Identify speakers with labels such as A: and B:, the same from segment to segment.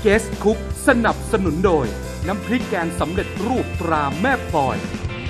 A: Guest Cook สนับสนุนโดยน้ำพริกแกงสำเร็จรูปตราแม่พลอย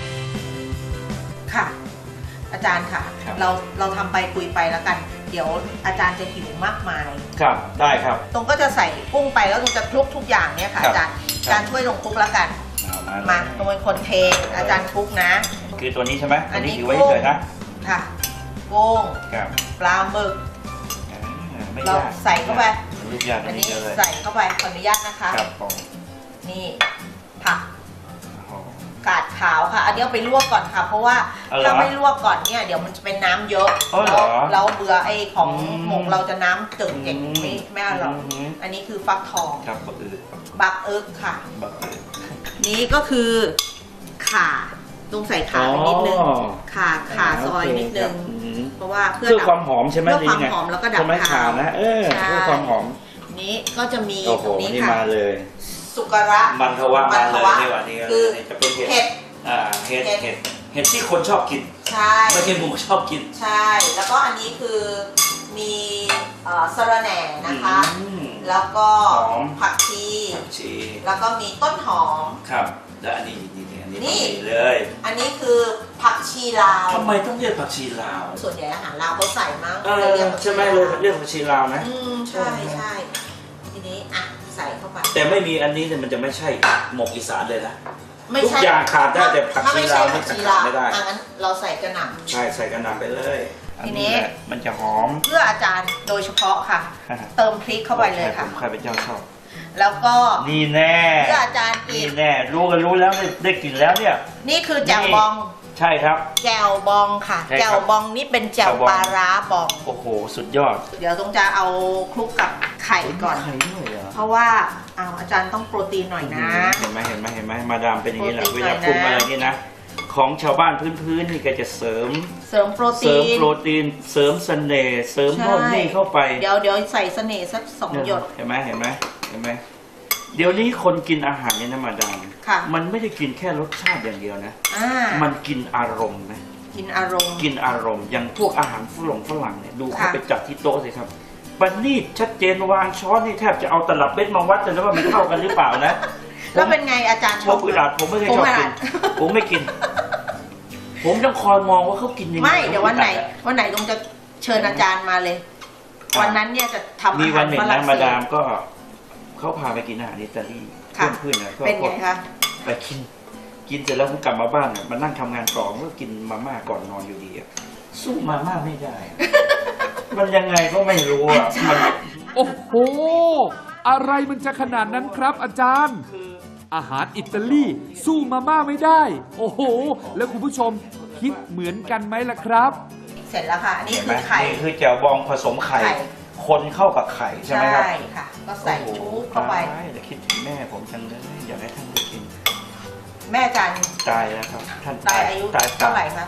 B: ค่ะอาจารย์ค่ะเราทำไปคุยไปแล้วกัน เดี๋ยวอาจารย์จะหิวมากมาย
C: ครับได้ครับ
B: ตรงก็จะใส่กุ้งไปแล้วตรงจะคลุกทุกอย่างเนี่ยค่ะอาจารย์ช่วยลงคลุกแล้วกันมาตรงเป็นคนเทอาจารย์คลุกนะ
C: คือตัวนี้ใช่ไหมอันนี้ถือไว้เฉยนะ
B: ค่ะกุ้งปลาหมึกเราใส่เข้าไปอันนี้ใส่เข้าไปขออนุญาตนะคะนี่ผักกาดขาวค่ะอันนี้เอาไปลวกก่อนค่ะเพราะว่าถ้าไม่ลวกก่อนเนี่ยเดี๋ยวมันจะเป็นน้ำเยอะเราเบื่อไอ้ของหมกเราจะน้ำตึงอย่างไม่อร่อยอันนี้คือฟักทองบักเอิ๊กค่ะนี้ก็คือข่าต้องใส่ข่าไปนิดนึงข่าซอยนิดนึงเพราะว่าเพื่อ
C: ความหอมใช่ไหม
B: เพื่อความหอมแล้วก็ดับข่า
C: นะเพื่อความหอม
B: นี้ก็จะมีตรงนี้
C: ค่ะ
B: สุกระ
C: มันทว่ามาเลยในวันนี้คือจะเป็นเห็ดเห็ดที่คนชอบกิน
B: ใช่
C: ไม่ใช่หมูชอบกิน
B: ใช่แล้วก็อันนี้คือมีสะระแหน่นะคะแล้วก็ผักชีแล้วก็มีต้นหอม
C: ครับแล้วอันนี้เลย
B: อันนี้คือผักชีลาว
C: ทำไมต้องเรียกผักชีลาว
B: ส่วนใหญ่อาหารลาวเขาใส่มาก
C: ใช่ไหมเลยเรียกผักชีลาวนะ
B: ใช่ทีนี้อ่ะใส่เข้าไป
C: แต่ไม่มีอันนี้เนี่ยมันจะไม่ใช่หมกอีสานเลยนะทุกอย่างขาดได้แต่ผักชีลาวไม่ขาดไม่ได้
B: งั้นเราใส่กระหน่ำ
C: ใช่ใส่กระหน่ำไปเลย
B: ทีนี้
C: มันจะหอม
B: เพื่ออาจารย์โดยเฉพาะค่ะเติมพริกเข้าไปเลยค่ะ
C: ใครเป็นเจ้าชอบ
B: แล้วก็
C: นี่แน่
B: เพื่ออาจารย์อีก
C: แน่รู้แล้วได้กลิ่นแล้วเนี่ย
B: นี่คือแจ่วบอง
C: ใช่ครับ
B: แจ่วบองค่ะแจ่วบองนี่เป็นแจ่วปลาร้าบอง
C: โอ้โหสุดยอด
B: เดี๋ยวต้องจะเอาคลุกกับไข่ก่อนเพราะว่าอาจารย์ต้องโปรตีนหน่อยนะ
C: เห็นไหมมาดามเป็นอย่างนี้แหละเวลาปรุงอะไรนี่นะของชาวบ้านพื้นนี่ก็จะเสริม
B: โปรตีน
C: เสริมเสน่ห์เสริมโน่นนี่เข้าไป
B: เดี๋ยวใส่เสน่ห์สัก2 หยด
C: เห็นไหมเดี๋ยวนี้คนกินอาหารเนี่ยนะมาดามมันไม่ได้กินแค่รสชาติอย่างเดียวนะมันกินอารมณ์นะ
B: กินอาร
C: มณ์อย่างพวกอาหารฝรั่งเนี่ยดูเขาไปจัดที่โต๊ะสิครับบันนี่ชัดเจนวางช้อนนี่แทบจะเอาตลับเบ็ดมาวัดกันแล้วว่ามันเข้ากันหรือเปล่านะ
B: แล้วเป็นไงอาจารย์
C: ชอบอึดอัดผมไม่เคยชอบกินผมไม่กินผมต้องคอยมองว่าเขากินยังไง
B: ไม่เดี๋ยววันไหนต้องจะเชิญอาจารย์มาเลยวันนั้นเนี่ยจะทำอาหาร
C: มีวันหนึ่งนะมาดามก็เขาพาไปกินอาหารอิตาลีเพื่อนๆนะ
B: เป็นไงคะ
C: ไปกินเสร็จแล้วผมกลับมาบ้านเนี่ยมานั่งทำงานต่อก็กินมาม่าก่อนนอนอยู่ดีสู้มาม่าไม่ได้มันยังไงก็ไม่รู้อ่ะ
A: โอ้โหอะไรมันจะขนาดนั้นครับอาจารย์อาหารอิตาลีสู้มาม่าไม่ได้โอ้โหแล้วคุณผู้ชมคิดเหมือนกันไหมล่ะครับ
B: เสร็จแล้วค่ะอันนี้คือไข่
C: นี่คือแจ่วบองผสมไข่คนเข้ากับไข่ใช่ไหมครับ
B: ใช่ค่ะก็ใส่ชุบเข้าไป
C: แต่คิดถึงแม่ผมจังเลยอยากให้ท่านได้กิน
B: แม่จัน
C: ตายแล้วครับท่าน
B: ตายอายุเท่าไหร่คะ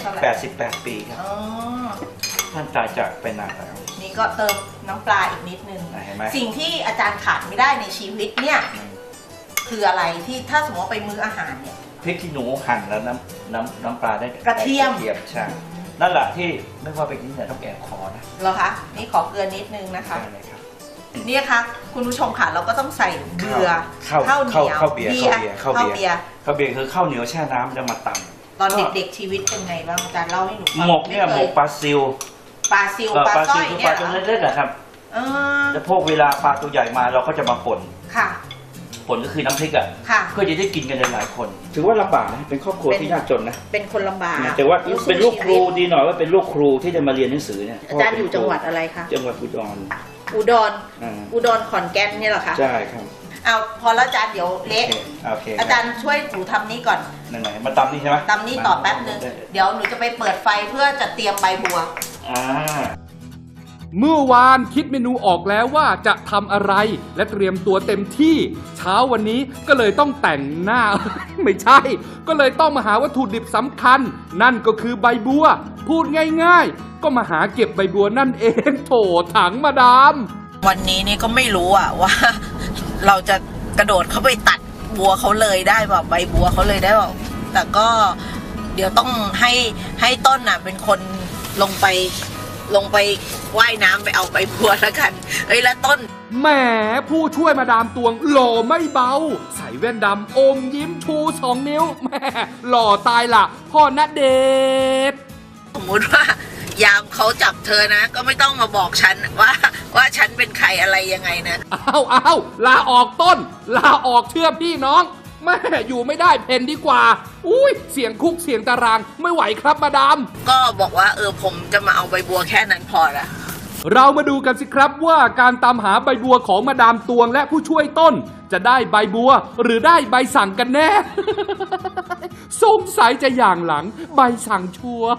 C: 88 ปีครับท่านตายจากไปนานแล้ว
B: นี่ก็เติมน้ำปลาอีกนิดนึงสิ่งที่อาจารย์ขาดไม่ได้ในชีวิตเนี่ยคืออะไรที่ถ้าสมมติว่าไปมื้ออาหารเนี่ย
C: พริกขี้หนูหั่นแล้วน้ำปลาได้
B: กระเทียม
C: ใช่นั่นแหละที่ไม่ว่าไปกินเนี่ยต้องแอบคอนะ
B: เหรอคะนี่ขอเกลือนิดนึงนะคะนี่ค่ะคุณผู้ชมค่ะเราก็ต้องใส่เกลือข้าวเหนียว
C: ข้าวเบียร์คือข้าวเหนียวแช่น้ำแล้วมาตำ
B: ตอนเด็กๆชีวิตเป็นไงบ้างอาจารย์เล่าให้หนูฟัง
C: หมกเนี่ยหมกปลาซิว
B: ปลาสร้อยเนี่ย
C: ปลาตัวเล็กๆนะครับแล้วพวกเวลาปลาตัวใหญ่มาเราก็จะมาป่นผลก็คือน้ำพริกอ่ะเพื่อจะได้กินกันหลายคนถือว่าลำบากนะเป็นครอบครัวที่ยากจนนะ
B: เป็นคนลำบาก
C: แต่ว่าเป็นลูกครูดีหน่อยว่าเป็นลูกครูที่จะมาเรียนหนังสือเนี่ย
B: อาจารย์อยู่จังหวัดอะไรคะ
C: จังหวัดอุด
B: รขอนแก่นเนี่ยเหรอคะ
C: ใช่ครับ
B: เอาพอแล้วอาจารย์เดี๋ยวเละอาจารย์ช่วยหนูทำนี้ก่อน
C: ไหนมาตำนี่ใช่ไหม
B: ตำนี่ต่อแป๊บนึงเดี๋ยวหนูจะไปเปิดไฟเพื่อจะเตรียมใบบัว
A: เมื่อวานคิดเมนูออกแล้วว่าจะทำอะไรและเตรียมตัวเต็มที่เช้าวันนี้ก็เลยต้องแต่งหน้า ไม่ใช่ก็เลยต้องมาหาวัตถุดิบสำคัญนั่นก็คือใบบัวพูดง่ายๆก็มาหาเก็บใบบัวนั่นเองโถถังมาดาม
B: วันนี้นี่ก็ไม่รู้ว่าเราจะกระโดดเข้าไปตัดบัวเขาเลยได้แบบใบบัวเขาเลยได้แบบแต่ก็เดี๋ยวต้องให้ต้นเป็นคนลงไปว่ายน้ำไปเอาใบบัวแล้วกันแล้วต้น
A: แหมผู้ช่วยมาดามตวงหล่อไม่เบา ใส่แว่นดำอมยิ้มชู2 นิ้วแหมหล่อตายล่ะพ่อณเดชน์
B: สมมติว่ายามเขาจับเธอนะ ก็ไม่ต้องมาบอกฉันว่าฉันเป็นใครอะไรยังไงนะ
A: อ้าวลาออกต้น ลาออกเชื่อพี่น้องแม่อยู่ไม่ได้เพนดีกว่าอุ้ยเสียงคุกเสียงตารางไม่ไหวครับมาดาม
B: ก็บอกว่าผมจะมาเอาใบบัวแค่นั้นพอละ
A: เรามาดูกันสิครับว่าการตามหาใบบัวของมาดามตวงและผู้ช่วยต้น จะได้ใบบัวหรือได้ใบสั่งกันแน่ สงสัยจะอย่างหลังใบสั่งชัวร์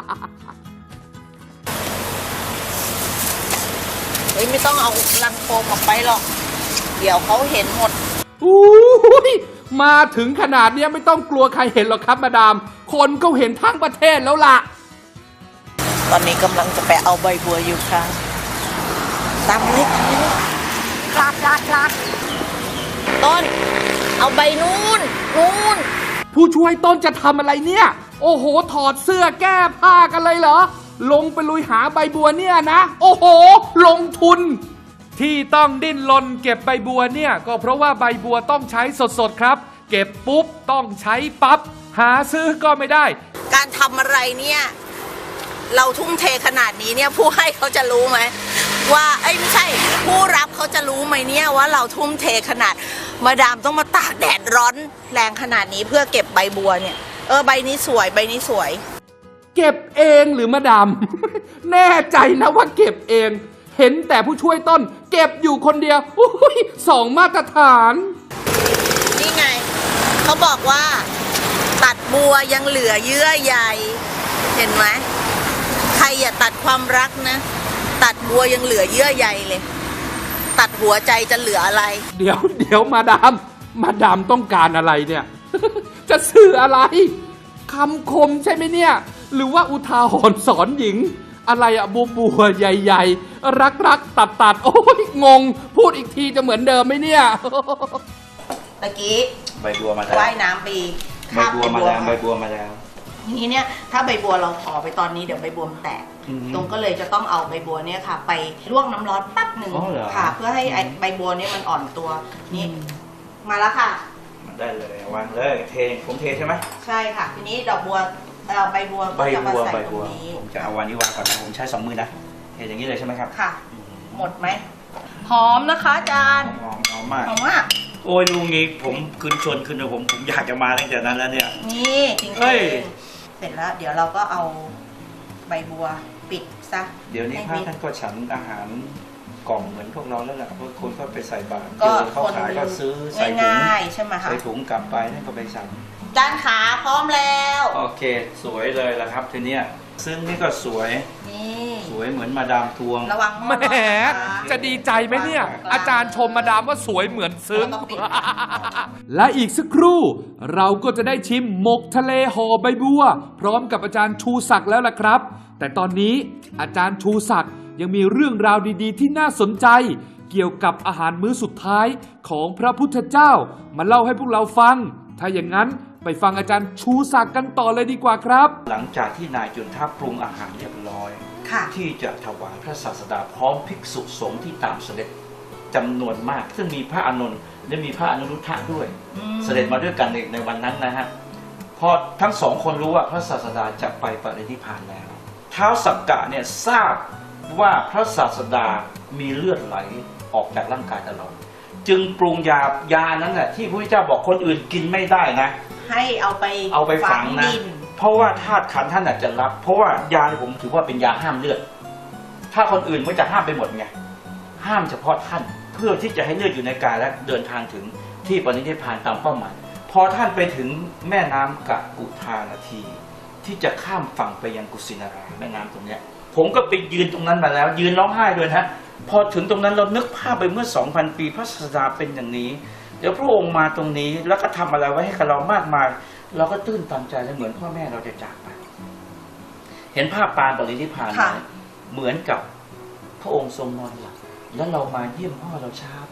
B: เฮ้ยไม่ต้องเอาลังโฟมออกไปหรอก เดี๋ยวเขาเห็นหมด
A: อุ้ยมาถึงขนาดเนี้ยไม่ต้องกลัวใครเห็นหรอกครับมาดาม คนก็เห็นทั้งประเทศแล้วล่ะ
B: ตอนนี้กำลังจะไปเอาใบบัวอยู่ค่ะตามเลยลาดต้น เอาใบนู่น
A: ผู้ช่วยต้นจะทำอะไรเนี่ย โอ้โหถอดเสื้อแก้ผ้ากันเลยเหรอ ลงไปลุยหาใบบัวเนี่ยนะ โอ้โห ลงทุน ที่ต้องดิ้นรนเก็บใบบัวเนี่ยก็เพราะว่าใบบัวต้องใช้สดๆครับ เก็บปุ๊บต้องใช้ปั๊บหาซื้อก็ไม่ได้
B: การทำอะไรเนี่ยเราทุ่มเทขนาดนี้เนี่ยผู้ให้เขาจะรู้ไหมว่าไม่ใช่ผู้รับเขาจะรู้ไหมเนี่ยว่าเราทุ่มเทขนาดมาดามต้องมาตากแดดร้อนแรงขนาดนี้เพื่อเก็บใบบัวเนี่ยใบนี้สวยใบนี้สวย
A: เก็บเองหรือมาดาม แน่ใจนะว่าเก็บเอง เห็นแต่ผู้ช่วยต้น เก็บอยู่คนเดียวอุ้ย2 มาตรฐาน
B: นี่ไงเขาบอกว่าตัดบัวยังเหลือเยื่อใยเห็นไหมใครอย่าตัดความรักนะตัดบัวยังเหลือเยื่อใยเลยตัดหัวใจจะเหลืออะไร
A: เดี๋ยวมาดามต้องการอะไรเนี่ย จะสื่ออะไรคำคมใช่ไหมเนี่ย หรือว่าอุทาหรณ์สอนหญิง อะไรอะบัวใหญ่ๆรักตัดโอ้ยงง พูดอีกทีจะเหมือนเดิมไหมเนี่ย
B: ตะกี้
C: ใบบัวมาแล้ว
B: ว่ายน้ำไป
C: ใบบัวมาแล้วใบบัวมาแล้ว
B: ทีนี้เนี่ยถ้าใบบัวเราห่อไปตอนนี้เดี๋ยวใบบัวมันแตก
C: อือฮึ
B: ตรงก็เลยจะต้องเอาใบบัวเนี่ยค่ะ ไปลวกน้ำร้อนแป๊บหนึ่ง
C: อ๋อเหรอ
B: ค่ะ เพื่อให้ใบบัวเนี่ยมันอ่อนตัวนี่มาแล้วค่ะ
C: ได้เลยวางเลยเทผมเทใช่ไหม
B: ใช่ค่ะ ทีนี้ดอกบัวใบบัว
C: ใบ
B: ก็จะมา
C: บัว
B: ใส่
C: ใบ
B: ตร
C: บั
B: ง
C: ว
B: นี้
C: ผมจะเอาวันนี้วางก่อนนะผมใช้2 มือนะเทอย่างนี้เลยใช่ไหมครับ
B: ค่ะ หมดไหมหอมนะคะอาจารย์
C: หอมมาก
B: หอมมาก
C: โอ้ยลุงนี้ผมชวนคืนผมอยากจะมาตั้งแต่นั้นแล้วเนี่ย
B: นี่จริง
C: เฮ้ย
B: ๆเสร็จแล้วเดี๋ยวเราก็เอาใบบัวปิดซะ
C: เดี๋ยวนี้
B: ให้
C: พระ
B: มิด
C: ท่านก็ฉันอาหารกล่องเหมือนพวกเราแล้วแหละเพราะคนก็ไปใส่บาตร
B: ก็
C: เจอเขาขายก็ซื้อใส่ถุง
B: ง่ายๆใช่ไหมคะ
C: ใส่ถุงกลับไปนั่นก็ไปสั่ง
B: จานขาพร้อมแล้ว
C: โอเคสวยเลยละครับทีเนี้ยซึ่งนี่ก็สวย
B: นี่
C: สวยเหมือนมาดามทวง
B: ระวัง
A: แหมจะดีใจไหมเนี่ย อาจารย์ชมมาดามว่าสวยเหมือนซึ้ง และอีกสักครู่ เราก็จะได้ชิมหมกทะเลห่อใบบัว พร้อมกับอาจารย์ชูศักดิ์แล้วล่ะครับ แต่ตอนนี้อาจารย์ชูศักดิ์ยังมีเรื่องราวดีๆ ที่น่าสนใจ เกี่ยวกับอาหารมื้อสุดท้ายของพระพุทธเจ้ามาเล่าให้พวกเราฟัง ถ้าอย่างนั้นไปฟังอาจารย์ชูศักดิ์กันต่อเลยดีกว่าครับ
C: หลังจากที่นายจุนทัพปรุงอาหารเรียบร้อย
B: ค่ะ
C: ที่จะถวายพระศาสดาพร้อมภิกษุสงฆ์ที่ตามเสด็จจำนวนมาก ซึ่งมีพระอานนท์และมีพระอนุรุทธะด้วย เสด็จมาด้วยกันในวันนั้นนะฮะพอทั้งสองคนรู้ว่าพระศาสดาจะไปปรินิพพานแล้วท้าวสักกะเนี่ยทราบว่าพระศาสดามีเลือดไหลออกจากร่างกายตลอดจึงปรุงยานั้นแหละที่พระพุทธเจ้าบอกคนอื่นกินไม่ได้นะ
B: ให้เอาไป
C: ฝังนะ
B: ดิน
C: เพราะว่าธาตุขันธ์ท่านอาจจะรับ เพราะว่ายาที่ผมถือว่าเป็นยาห้ามเลือด ถ้าคนอื่นมันจะห้ามไปหมดไงห้ามเฉพาะท่านเพื่อที่จะให้เลือดอยู่ในกายและเดินทางถึงที่ปรินิพพานตามเป้าหมายพอท่านไปถึงแม่น้ำกะกุธานาที ที่จะข้ามฝั่งไปยังกุสินาราแม่น้ำตรงเนี้ยผมก็ไปยืนตรงนั้นมาแล้ว ยืนร้องไห้ด้วยนะพอถึงตรงนั้นเรานึกภาพไปเมื่อ 2,000 ปีพระศาสดาเป็นอย่างนี้เดี๋ยวพระองค์มาตรงนี้แล้วก็ทำอะไรไว้ให้กับเรามากมายเราก็ตื้นตันใจและเหมือนพ่อแม่เราจะจากไป เห็นภาพปานปรินิพพานไหมเหมือนกับพระองค์ทรงนอนหลับแล้วเรามาเยี่ยมพ่อเราช้าไป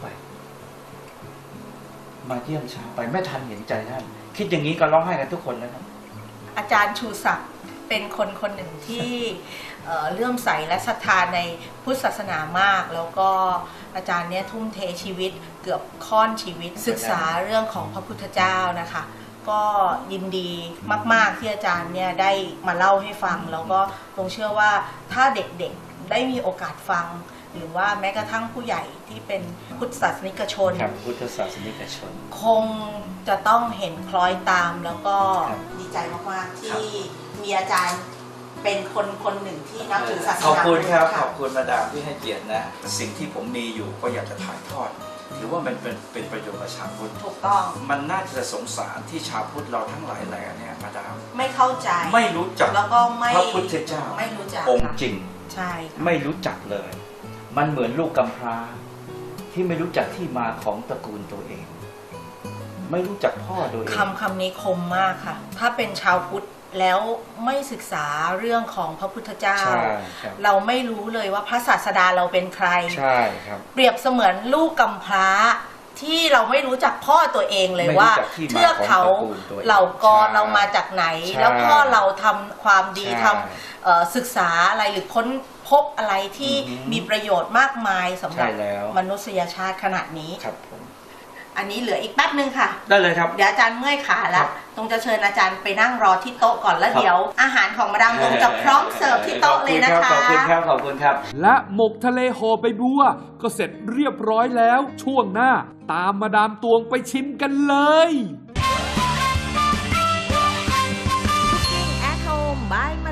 C: มาเยี่ยมช้าไปไม่ทันเห็นใจท่านคิดอย่างนี้ก็ร้องไห้กันทุกคนนะครับ
B: อาจารย์ชูศักดิ์เป็นคนหนึ่งที่เลื่อมใสและศรัทธาในพุทธศาสนามาก แล้วก็อาจารย์เนี่ยทุ่มเทชีวิตเกือบค่อนชีวิตศึกษาเรื่องของพระพุทธเจ้านะคะก็ยินดีมากๆที่อาจารย์เนี่ยได้มาเล่าให้ฟังแล้วก็ตรงเชื่อว่าถ้าเด็กๆได้มีโอกาสฟัง หรือว่าแม้กระทั่งผู้ใหญ่ที่เป็นพุทธศาสนิกชน
C: ครับพุทธศาสนิกชน
B: คงจะต้องเห็นคล้อยตามแล้วก็
C: ครับ
B: ดีใจมากๆที่มีอาจารย์เป็นคนหนึ่งที่นับถือศาสนา
C: ขอบคุณครับ
B: ะ
C: ขอบคุณมาดามที่ให้เกียรตินะสิ่งที่ผมมีอยู่ก็อยากจะถ่ายทอดถือว่ามันเป็นประโยชน์กับชาวพุทธ
B: ถูกต้อง
C: มันน่าจะสงสารที่ชาวพุทธเราทั้งหลายแหล่เนี่ยมาดาม
B: ไม่เข้าใจ
C: ไม่รู้จัก
B: แล้วก็ไม่
C: พระพุทธเจ้า
B: ไม่รู้จัก
C: องค์
B: ค่ะ
C: จริง
B: ใช่ค่ะ
C: ไม่รู้จักเลย มันเหมือนลูกกำพร้า ที่ไม่รู้จักที่มาของตระกูลตัวเอง ไม่รู้จักพ่อตัวเอง
B: คำนี้คมมากค่ะ ถ้าเป็นชาวพุทธแล้วไม่ศึกษาเรื่องของพระพุทธเจ้า
C: ใช่ครับ
B: เราไม่รู้เลยว่าพระศาสดาเราเป็นใคร
C: ใช่ครับ
B: เปรียบเสมือนลูกกำพร้าที่เราไม่รู้จักพ่อตัวเองเลย
C: ไม่รู้
B: ว่า
C: จักที่มา
B: เทือกเขา
C: ของตระกูลตัวเอง
B: เหล่ากร
C: ใช่
B: เรามาจากไหน
C: ใช่
B: แล้วพ่อเราทำความดี
C: ใช่
B: ทำศึกษาอะไรหรือค้นพบอะไรที่
C: อือหือ
B: มีประโยชน์มากมายสำหรับ
C: ใช่แล้ว
B: มนุษยชาติขนาดนี้
C: ครับผม
B: อันนี้เหลืออีกแป๊บนึงค่ะ
C: ได้เลยครับ
B: เดี๋ยวอาจารย์เมื่อยขาแล้
C: คว รับ
B: ตรงจะเชิญอาจารย์ไปนั่งรอที่โต๊ะก่อนแล้ว
C: ครับ
B: เดี๋ยว อาหารของมาดามตรงจะพร้อมเสิร์ฟที่โต๊ะเลยนะคะ
C: ขอบคุณครับ ขอบคุณครับ
A: และหมกทะเลห่อใบบัวก็เสร็จเรียบร้อยแล้วช่วงหน้า ตามมาดามตวงไปชิมกันเลย
D: Cooking at Home by